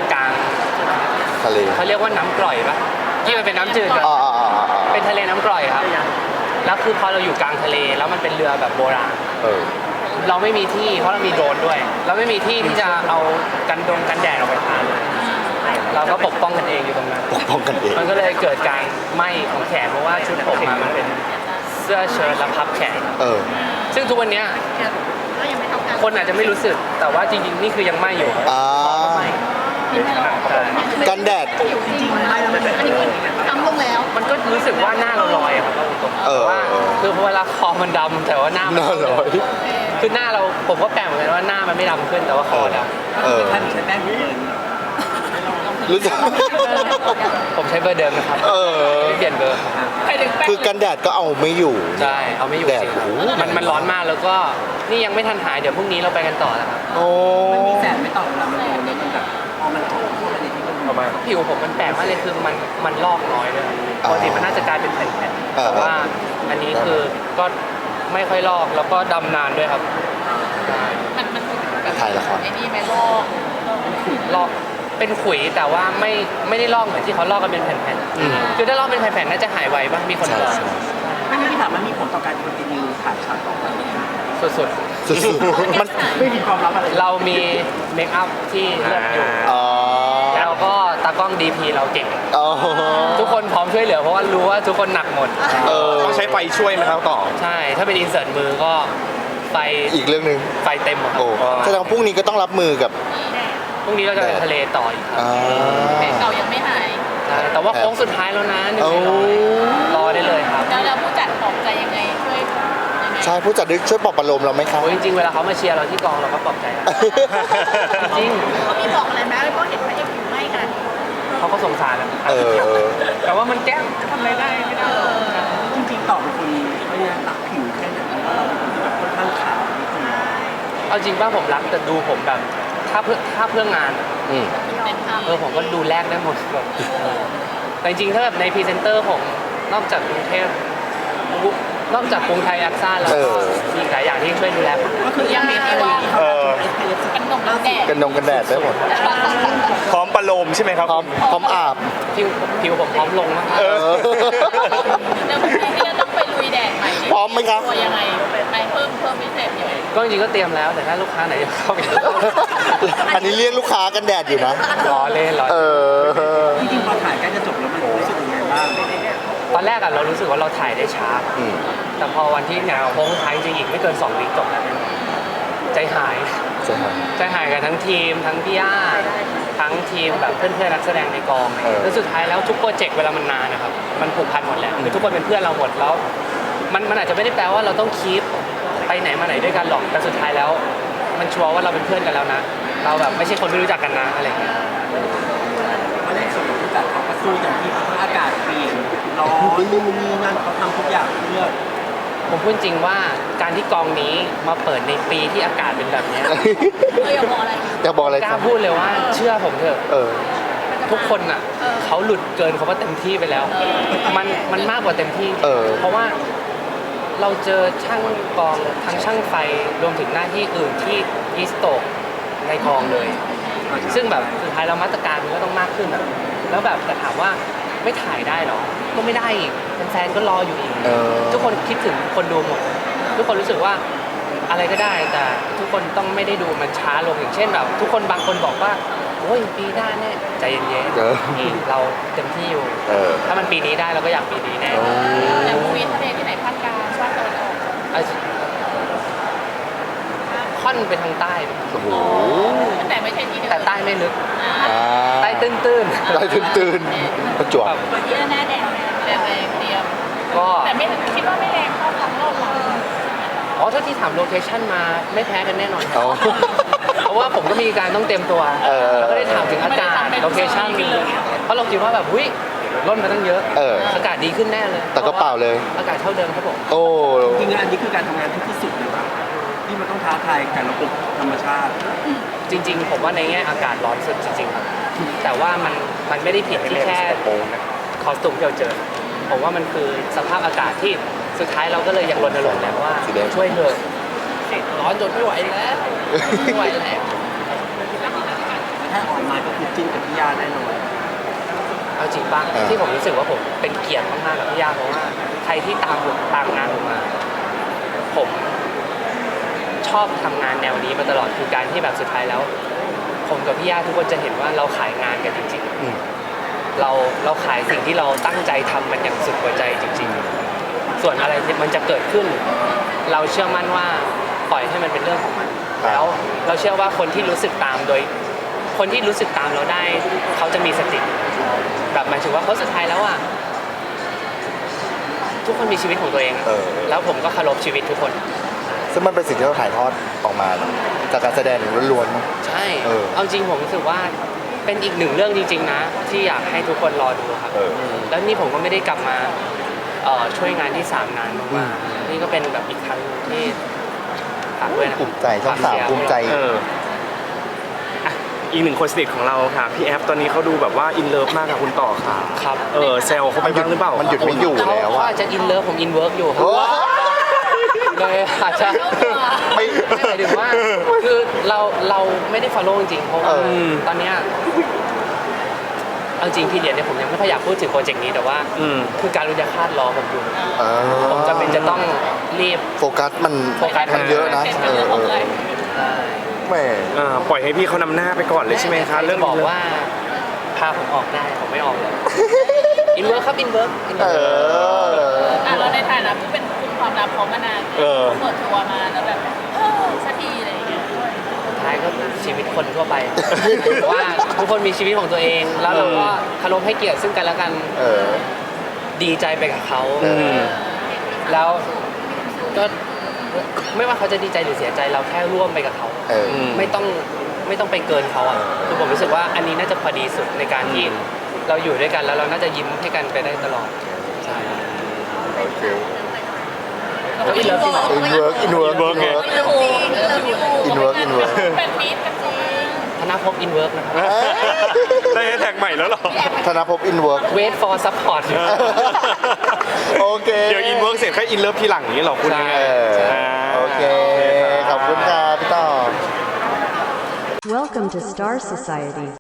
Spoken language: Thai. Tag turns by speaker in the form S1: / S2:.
S1: กลาง
S2: ทะเล
S1: เขาเรียกว่าน้ำกร่อยปะที่มันเป็นน้ำจืดอะ
S2: อ๋อ
S1: เป็นทะเลน้ำกร่อยครับแล้วคือพอเราอยู่กลางทะเลแล้วมันเป็นเรือแบบโบราณ เราไม่มีที่เพราะเรามีโดรนด้วย เราไม่มีที่ที่จะเอากันแดดออกไปทานเลยเราก็ปกป้องกันเองอยู่ตรงนั้น
S2: ปกป้องกันเอง
S1: มันก็เลยเกิดการไหม้ของแขนเพราะว่าชุดผมมามันเป็นเสื้อเชิ้ตและพับแขนซึ่งทุกวันเนี้ยคนอาจจะไม่รู้สึกแต่ว่าจริงๆนี่คือยังไหม้อยู่ไหม้
S2: กันแดด
S3: จริงๆมันไม่แล้วมันเป็นอันนี้คือทำลงแล้ว
S1: มันก็รู้สึกว่าหน้าเราลอยอะครับตรงๆแต่ว่าคือเวลาคอมันดำแต่ว่าหน้ามัน
S2: ลอย
S1: คือหน้าเราผมก็แปลกเหมือนกันว่าหน้ามันไม่ดำขึ้นแต่ว่าคอดำ
S3: ท่านใช้แป้งเบิร์น
S2: รู้จัก
S1: ผมใช้เบอร์เดิมนะครับไม่เปลี่ยนเบอร์
S2: คือกันแดดก็เอาไม่อยู่
S1: ใช่เอาไม่อยู่
S2: แดด
S1: จริง
S2: โอ้โห
S1: มันร้อนมากแล้วก็นี่ยังไม่ทันหายเดี๋ยวพรุ่งนี้เราไปกันต่อนะครับ
S2: โอ้
S3: มันมีแสงไม่ต่อเวลามันโดนแล้วมันแบบพอมันโผล่เข้าไปในที่มันประมาณ
S1: ผิวผมมันแปลกมากเลยคือมันลอกน้อยเลยปกติมันน่าจะกลายเป็นแผ่นๆแต่ว่าอันนี้คือก็ไม่ค่อยลอกแล้วก็ดำนานด้วยครับใช่
S2: ถ่ายละคร
S4: ไอ้นี่ไม่ลอก
S1: ลอกเป็นขุยแต่ว่าไม่ได้ลอกเหมือนที่เขาลอกกันเป็นแผ่นๆคือถ้าลอกเป็นแผ่นๆน่าจะหายไวป่ะมีคน
S2: ใช่
S1: บอก
S2: ใช่
S3: ไม่งั้นพี่ถามมันมีผลต่อการคอนติเนียถ่ายฉากต่อไป
S1: สุด
S2: สุดๆมัน
S3: ไม่มีความลับอะไร
S1: ๆเรามีเมคอัพที่เลือกอยู่
S2: อ๋อ
S1: แล้วก็ตากล้อง DP เราเก่ง
S2: อ๋อ
S1: ทุกคนพร้อมช่วยเหลือเพราะว่ารู้ว่าทุกคนหนักหมด
S5: ต้องใช้ไฟช่วยไหมครับต่อ
S1: ใช่ถ้าเป็นอินเสิร์ตมือก็ไฟ
S2: อีกเรื่องหนึ่ง
S1: ไฟเต็มอะครับ
S2: โอ้แสดงว่าพรุ่งนี้ก็ต้องรับมือกับ
S1: พรุ่งนี้เราจะไปทะเลต่ออีกครับ
S4: แผลเก่ายังไม่หาย
S1: ใช่แต่ว่าโค้งสุดท้ายแล้วนะหนึ่ง
S2: โอ้
S1: ในร้อยรอได้เลยครับ
S4: แล้วผู้จัดปลอบใจยังไงช่วยยังไง
S2: ใช่ผู้จัดช่วยปลอบประโลมเราไหมครับ
S1: โอ้ยจริงๆเวลาเขามาเชียร์เราที่กองเราก็ปลอบใจอะจริง
S4: เขามีบอกอะไรไหมเพราะเห็นพระเอกอยู่ไม่กัน
S1: เขาก็สงสารนะ แต่ว่ามันแกล้งทำอะไรได้ไม่ได้หรอก
S3: จริงๆต่อเป็นคนไม่ได้ตักผิวแค่ไหนเพราะเราเป็นคนที่แบบค่อนข้างขาวนิดนึง
S1: เอาจริงป่ะผมรักแต่ดูผมแบบถ้าเพื่องาน
S4: เป็นภาพ
S1: ผมก็ดูแลกได้หมดแบบแต่จริงๆถ้าแบบในพรีเซนเตอร์ผมนอกจากกรุงเทพนอกจากกรุงไทยแอคซ่าแล้วก็มีหลายอย่างที่ช่วยดูแลผม
S3: ก็คือยังมีที่ว่า
S4: กันนมน้ำแดด
S2: กันแดดได้หมด
S5: พร้อมประโลมใช่ไหมครับ
S2: พร้อมอาบ
S1: ผิวผมพร้อมลงมาก
S4: แล้วพรุ่งนี้ที่จะต้องไปลุยแดดใหม่
S2: พร้อมไหมครับ
S4: ตัวยังไงไปเพิ่มพิเศษยังไง
S1: ก็จริงๆก็เตรียมแล้วแต่ถ้าลูกค้าไหนจะเข้าไป
S2: อันนี้เรียกลูกค้ากันแดดอยู่นะ
S1: ล้อเล่นล้อ
S2: เอ
S1: เล่น
S2: อ
S3: จริงๆพอถ่ายใกล้จะจบแล้วมันรู้สึกยังไงบ้าง
S1: ตอนแรกอะเรารู้สึกว่าเราถ่ายได้ช้า
S2: อืม
S1: แต่พอวันที่เนี่ยโค้งท้ายจริงๆอีกไม่เกิน2 วีคจบแล้วใจหาย
S2: ใช่ครับ
S1: ใจหายกันทั้งทีมทั้งพี่ย่าทั้งทีมแบบเพื่อนๆนักแสดงในกองแล้วสุดท้ายแล้วทุกโปรเจกต์เวลามันนานนะครับมันผูกพันหมดแล้วคือทุกคนเป็นเพื่อนเราหมดแล้วมันอาจจะไม่ได้แปลว่าเราต้องคีปไปไหนมาไหนด้วยกันหรอกแต่สุดท้ายแล้ว มันชัวร์ว่าเราเป็นเพื่อนกันแล้วนะ เราแบบไม่ใช่คนไม่รู้จักกันนะอะไรอย่างเงี้ย
S3: ไม่ได้ส่วนของผู้จัดเขาก็สู้อย่างที่อากาศเปลี่ยนร้อนนู่นนี่นั่นเขาทำทุกอย่างเพื่อ
S1: ผมพูดจริงว่าการที่กองนี้มาเปิดในปีที่อากาศเป็นแบบเนี้ย
S4: เราอยากบอกอะไร
S2: อยากบอกอะไร
S1: ก
S2: ค
S1: ล้า
S2: รับ
S1: พูดเลยว่าเชื่อผมเถอะ
S2: เออ
S1: ทุกคนอ่ะเขาหลุดเกินเขาว่าเต็มที่ไปแล้ว มันมากกว่าเต็มที่ เพราะว่าเราเจอช่างกองทั้งช่างไฟรวมถึงหน้าที่อื่นที่อีสโตกในกองเลย ซึ่งแบบสุดท้ายเรามาตรการมันก็ต้องมากขึ้นอะแล้วแบบแต่ถามว่าไม่ถ่ายได้หรอ ก็ไม่ได้อีกแฟนๆก็รออยู่อีก ทุกคนคิดถึงคนดูหมด ทุกคนรู้สึกว่าอะไรก็ได้แต่ทุกคนต้องไม่ได้ดูมันช้าลงอย่างเช่นแบบทุกคนบางคนบอกว่าโอ้ยปีหน้าแน่ใจเย็นๆเราเต็มที่อยู่ ถ้ามันปีนี้ได้เราก็อยากปีนี้แน่
S4: แต่มูวี่ทะเลที่ไหนภาคกลางภาคตะวันออก
S1: ค่อนไปทางใต้
S2: โอ้โห
S4: แต่ไม่ใช่ที่เดิม
S1: แต่ใต้ไม่ลึก
S2: อ่า
S1: ใต้ตื้น
S2: ใต้ตื่นๆประจวบ
S1: ๆแบบ
S4: ที่หน้าแดงแดงเตรียม
S1: ก็
S4: แต่ไม่คิดว่าไม่แรงเท่าครั้งรอบหลัง
S1: อ๋อถ้าที่ถามโลเคชั่นมาไม่แพ้กันแน่นอนครับ
S2: เอา
S1: เพราะว่าผมก็มีการต้องเตรียมตัว แล้วก็ได้ถามถึงอากาศโลเคชั่นเพราะเราคิดว่าแบบหุ้ยร่นมาตั้งเยอะ อากาศดีขึ้นแน่เลย
S2: แต่ก็เปล่าเลย
S1: อากาศเท่าเดิมครับผม
S2: โอ้
S3: จริงๆอันนี้คือการทำงานที่สุดเลยว่าที่มันต้องท้าทายกับระบบธรรมชาติ
S1: จริงๆ ผมว่าในแง่อากาศร้อนสุดจริงๆครับแต่ว่ามันไม่ได้ผิดที่แค่คอสตูมที่เราเจอ ผมว่ามันคือสภาพอากาศที่สุดท้ายเราก็เลยอยากรณรงค์แล้วว่า
S2: สีแดง
S1: ช่วยเถอะร้อนจนไม่ไหวแล้วไม่ไหวแล้ว
S3: แค่ออนไลน์ก็คือจิ้นกับพี่ย่าแน่นอน
S1: เอาจริงป่ะที่ผมรู้สึกว่าผมเป็นเกียรติมากๆกับพี่ย่าเพราะว่าใครที่ตามผมตามงานผมมา ผมชอบทำงานแนวนี้มาตลอดคือการที่แบบสุดท้ายแล้ว ผมกับพี่ย่าทุกคนจะเห็นว่าเราขายงานกันจริงๆเราขายสิ่งที่เราตั้งใจทำมันอย่างสุดหัวใจจริง ๆ ส่วนอะไรที่มันจะเกิดขึ้น เราเชื่อมั่นว่าปล่อยให้มันเป็นเรื่องของมันแล้วเราเชื่อว่าคนที่รู้สึกตามโดย คนที่รู้สึกตามเราได้ เขาจะมีสติแบบหมายถึงว่าเขาสุดท้ายแล้วอ่ะทุกคนมีชีวิตของตัวเองอะแล้วผมก็เคารพชีวิตทุกคน
S2: ซึ่งมันเป็นสิ่งที่เราถ่ายทอดออกมาจากการแสดงล้วน
S1: ใช่เอาจริงผมรู้สึกว่าเป็นอีกหนึ่งเรื่องจริงๆนะที่อยากให้ทุกคนรอดูครับแล้วนี่ผมก็ไม่ได้กลับมาช่วยงานที่3นานมากๆนี่ก็เป็นแบบอีกครั้งที่ฝากด้วยนะ
S2: ภูมิใจช่องสามภูมิใจ
S5: อีกหนึ่งคนสนิทของเราค่ะพี่แอฟตอนนี้เขาดูแบบว่าอินเลิฟมากกับคุณต่อค่ะ
S1: ครับ
S5: แซวเขาไปบ้างหรือเปล่า
S2: มันหยุดไม่อยู่
S1: เขา
S2: แล้วอะ
S1: อาจจะอินเลิฟผมอินเวิร์กอยู่ครับ
S2: โอ้
S1: เลยอาจจะ
S2: ไม่
S1: ไม่หมายถึงว่าคือเราไม่ได้ follow จริงๆเพราะว่าตอนเนี้ยเอาจริงพี่เดียนเนี่ยผมยังไม่ค่อยอยากพูดถึงโปรเจกต์นี้แต่ว่าคือการรุยาคาดรอผมอยู่ผมจำเป็นจะต้องรีบ
S2: โฟกัสมัน
S1: โฟกัส
S2: มันเยอะนะ
S4: เป็นเรื่องของเลย
S2: แหม่
S5: ปล่อยให้พี่เขานำหน้าไปก่อนเลยใช่ไหมคะเรื่อง
S1: บอกว่าพาผมออกได้ผมไม่ออกเลยอินเวิร์กครับอินเวิร์ก
S4: เราในฐานะผู้เป็นกลุ่มความลับเขามานานเปิดตัวมาแล้วแบบสักทีอะไรอย่างเงี้ย
S1: สุดท้ายก็ชีวิตคนทั่วไปว่าทุกคนมีชีวิตของตัวเองแล้วเราก็เคารพให้เกียรติซึ่งกันและกันดีใจไปกับเขาแล้วก็ไม่ว่าเขาจะดีใจหรือเสียใจเราแค่ร่วมไปกับเขาไม่ต้องไปเกินเขาอ่ะคือผมรู้สึกว่าอันนี้น่าจะพอดีสุดในการที่เราอยู่ด้วยกันแล้วเราน่าจะยิ้มให้กันไปได้ตลอดใช่
S2: โอเค
S1: แล้วอินเลิฟจริงเหรอ
S2: อินเวิร์กอินเวิร์กอินเวิร์ก อินเวิร์กอินเวิร์ก
S4: เป็นมิตรกันจริง
S1: ธนภพอินเวิร์กนะครับ
S5: ได้แท็กใหม่แล้วเหรอ
S2: ธนภพอินเวิร์ก
S1: wait for support
S2: โอเค
S5: เดี๋ยวอินเวิร์กเสร็จแค่อินเลิฟทีหลังนี้เหรอคุณ
S1: ใช่
S2: โอเค ขอบคุณครับพี่ต่อ
S6: Welcome to Star Society.